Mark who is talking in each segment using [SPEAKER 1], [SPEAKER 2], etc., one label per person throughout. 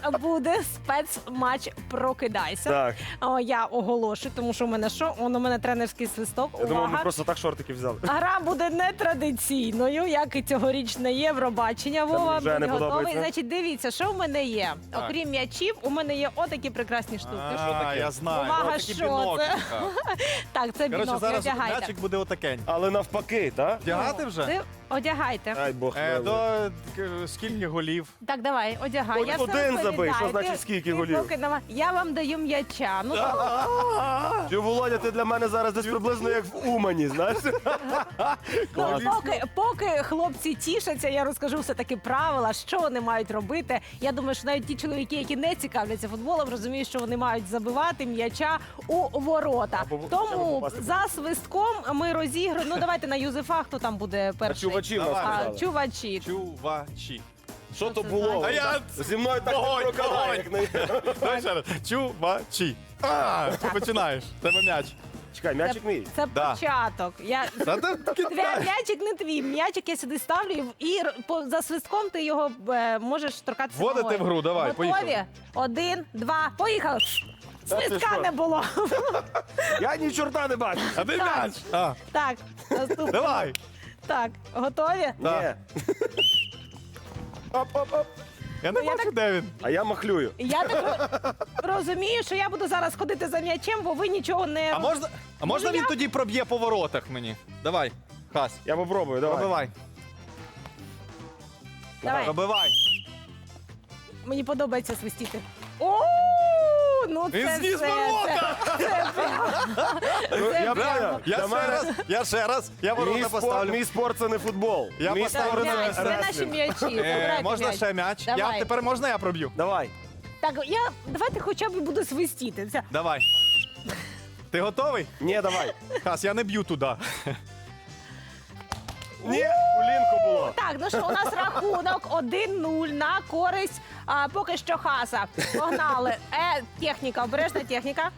[SPEAKER 1] буде спецматч «Прокидайся».
[SPEAKER 2] Так.
[SPEAKER 1] Я оголошую, тому що у мене що? У мене тренерський свисток.
[SPEAKER 2] Я думав, ми
[SPEAKER 1] Увага.
[SPEAKER 2] просто так шортики взяли.
[SPEAKER 1] Гра буде нетрадиційною, як і цьогорічне Євробачення. Вова,
[SPEAKER 2] вже не
[SPEAKER 1] будь готовий.
[SPEAKER 2] подобається.
[SPEAKER 1] Значить, дивіться, що в мене є.
[SPEAKER 3] Так.
[SPEAKER 1] Окрім м'ячів, у мене є отакі прекрасні штуки.
[SPEAKER 3] Я знаю.
[SPEAKER 1] Увага,
[SPEAKER 3] Отакі
[SPEAKER 1] що
[SPEAKER 3] біноклі.
[SPEAKER 1] це? Так, це
[SPEAKER 3] Коротше,
[SPEAKER 1] бінокль,
[SPEAKER 3] зараз
[SPEAKER 1] одягайте.
[SPEAKER 3] м'ячик буде отакень.
[SPEAKER 2] Але навпаки, так?
[SPEAKER 3] Вдягати вже?
[SPEAKER 1] Ти одягайте.
[SPEAKER 2] Ай, Бог милий.
[SPEAKER 3] Скільки голів?
[SPEAKER 1] Так, давай, одягай.
[SPEAKER 2] От
[SPEAKER 1] Я все
[SPEAKER 2] один забий, що
[SPEAKER 1] розповідаю.
[SPEAKER 2] значить
[SPEAKER 1] Ти-
[SPEAKER 2] скільки
[SPEAKER 1] ти
[SPEAKER 2] голів?
[SPEAKER 1] поки я вам даю м'яча. Ну,
[SPEAKER 2] Чи, Володя, ти для мене зараз десь приблизно як в Умані, знаєш? Клас.
[SPEAKER 1] поки хлопці тішаться, я розкажу все-таки правила, що вони мають робити. Я думаю, що навіть ті чоловіки, які не цікавляться футболом, розуміють, що вони мають забивати м'яча у ворота.
[SPEAKER 2] Або хоча б
[SPEAKER 1] Тому
[SPEAKER 2] попасти.
[SPEAKER 1] за свистком ми розіграємо. Ну, давайте на Юзефа, хто там буде
[SPEAKER 2] А
[SPEAKER 1] перший.
[SPEAKER 2] чувачі в нас
[SPEAKER 3] Давай.
[SPEAKER 2] сказали.
[SPEAKER 1] Чувачі.
[SPEAKER 3] Чувачі.
[SPEAKER 2] Що то
[SPEAKER 1] це
[SPEAKER 2] було?
[SPEAKER 3] А я-
[SPEAKER 2] Зі мною так не
[SPEAKER 3] Вогонь,
[SPEAKER 2] проканає,
[SPEAKER 3] вогонь.
[SPEAKER 2] як не...
[SPEAKER 3] Давай ще раз. Чувачі. Ти починаєш. Тебе м'яч.
[SPEAKER 2] Чекай, м'ячик мій.
[SPEAKER 1] Це
[SPEAKER 3] Да.
[SPEAKER 1] початок. М'ячик не твій. М'ячик я сюди ставлю і за свистком ти його можеш торкатися
[SPEAKER 3] Вводити
[SPEAKER 1] ногою.
[SPEAKER 3] в гру, давай,
[SPEAKER 1] Готові?
[SPEAKER 3] поїхали.
[SPEAKER 1] 1, 2, поїхали.
[SPEAKER 2] Та ти
[SPEAKER 1] Свистка
[SPEAKER 2] що?
[SPEAKER 1] не було.
[SPEAKER 2] Я ні чорта не бачу.
[SPEAKER 3] А де м'яч?
[SPEAKER 1] Так, наступний.
[SPEAKER 3] Давай.
[SPEAKER 1] Так, готові?
[SPEAKER 2] Ні. Оп-оп-оп.
[SPEAKER 3] Я не
[SPEAKER 1] Ну, я
[SPEAKER 3] бачу, де він.
[SPEAKER 2] А я махлюю.
[SPEAKER 1] Я так розумію, що я буду зараз ходити за м'ячем, бо ви нічого не...
[SPEAKER 3] А можна він
[SPEAKER 1] я?
[SPEAKER 3] тоді проб'є по воротах мені? Давай. Хас.
[SPEAKER 2] Я попробую, давай.
[SPEAKER 3] Пробивай.
[SPEAKER 1] Давай,
[SPEAKER 3] Пробивай.
[SPEAKER 1] мені подобається свистіти. О, ну
[SPEAKER 3] Він
[SPEAKER 1] це
[SPEAKER 3] зніс
[SPEAKER 1] все,
[SPEAKER 3] ворота!
[SPEAKER 1] це прям-
[SPEAKER 2] Ну,
[SPEAKER 1] Це
[SPEAKER 2] я
[SPEAKER 1] прямо.
[SPEAKER 2] поняв.
[SPEAKER 3] Я ще раз. Я ворота поставлю.
[SPEAKER 2] Мій спорт це не футбол.
[SPEAKER 3] Я
[SPEAKER 2] Мій
[SPEAKER 3] поставлю
[SPEAKER 2] спорт
[SPEAKER 3] на
[SPEAKER 1] М'яч,
[SPEAKER 2] це
[SPEAKER 1] це наші
[SPEAKER 2] реслінг.
[SPEAKER 1] м'ячі. Забирайте
[SPEAKER 3] Можна
[SPEAKER 1] м'яч.
[SPEAKER 3] ще м'яч?
[SPEAKER 1] Давай.
[SPEAKER 3] Тепер можна я проб'ю?
[SPEAKER 2] Давай.
[SPEAKER 1] Так, давайте хоча б буду свистіти. Це-
[SPEAKER 3] Давай. Ти готовий?
[SPEAKER 2] Ні, давай.
[SPEAKER 3] Хас, я не б'ю туди.
[SPEAKER 2] Ні, колінко було.
[SPEAKER 1] Так, ну що, у нас рахунок 1-0 на користь поки що Хаса. Погнали. Техніка, обережна техніка.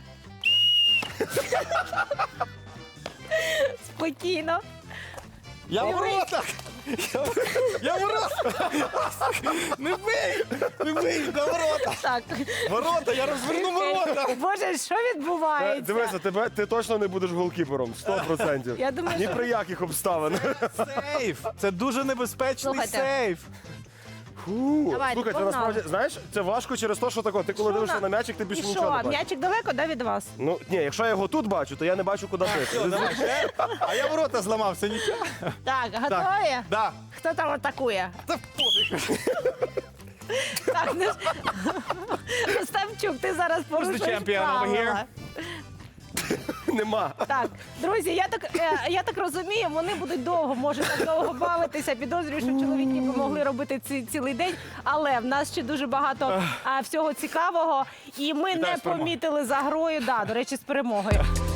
[SPEAKER 1] Спокійно.
[SPEAKER 3] Я в воротах! Я в воротах! Не бий! Не бий! На ворота!
[SPEAKER 1] Так.
[SPEAKER 3] Ворота! Я розверну ворота!
[SPEAKER 1] Боже, що відбувається?
[SPEAKER 2] Дивися, ти точно не будеш голкіпером. 100%.
[SPEAKER 1] Я думаю,
[SPEAKER 2] Ні
[SPEAKER 1] що-
[SPEAKER 2] при яких обставинах.
[SPEAKER 3] Сейф! Це дуже небезпечний
[SPEAKER 1] Слухайте.
[SPEAKER 3] сейф!
[SPEAKER 2] Фу.
[SPEAKER 1] Давайте,
[SPEAKER 2] Слухай, це
[SPEAKER 1] погнали.
[SPEAKER 2] насправді, знаєш, це важко через те, що тако. Ти коли
[SPEAKER 1] Що
[SPEAKER 2] дивишся на м'ячик, ти
[SPEAKER 1] І
[SPEAKER 2] більше
[SPEAKER 1] що,
[SPEAKER 2] нічого не бачиш.
[SPEAKER 1] м'ячик далеко, да, від вас?
[SPEAKER 2] Ну, ні, якщо я його тут бачу, то я не бачу, куди ти.
[SPEAKER 3] Давай ще. А я ворота зламався, нічого.
[SPEAKER 1] Так, готові?
[SPEAKER 3] Да.
[SPEAKER 1] Хто там атакує?
[SPEAKER 3] Та пофіг.
[SPEAKER 1] Так, ну ж- Остапчук, ти зараз порушуєш
[SPEAKER 3] champion over
[SPEAKER 1] правила.
[SPEAKER 2] Нема.
[SPEAKER 1] Так, друзі, я так розумію, вони будуть довго, може так довго бавитися. Підозрюю, що чоловіки би могли робити цілий день, але в нас ще дуже багато всього цікавого, і ми
[SPEAKER 3] Вітаю
[SPEAKER 1] не
[SPEAKER 3] з перемогою.
[SPEAKER 1] помітили за грою. Да, до речі, з перемогою.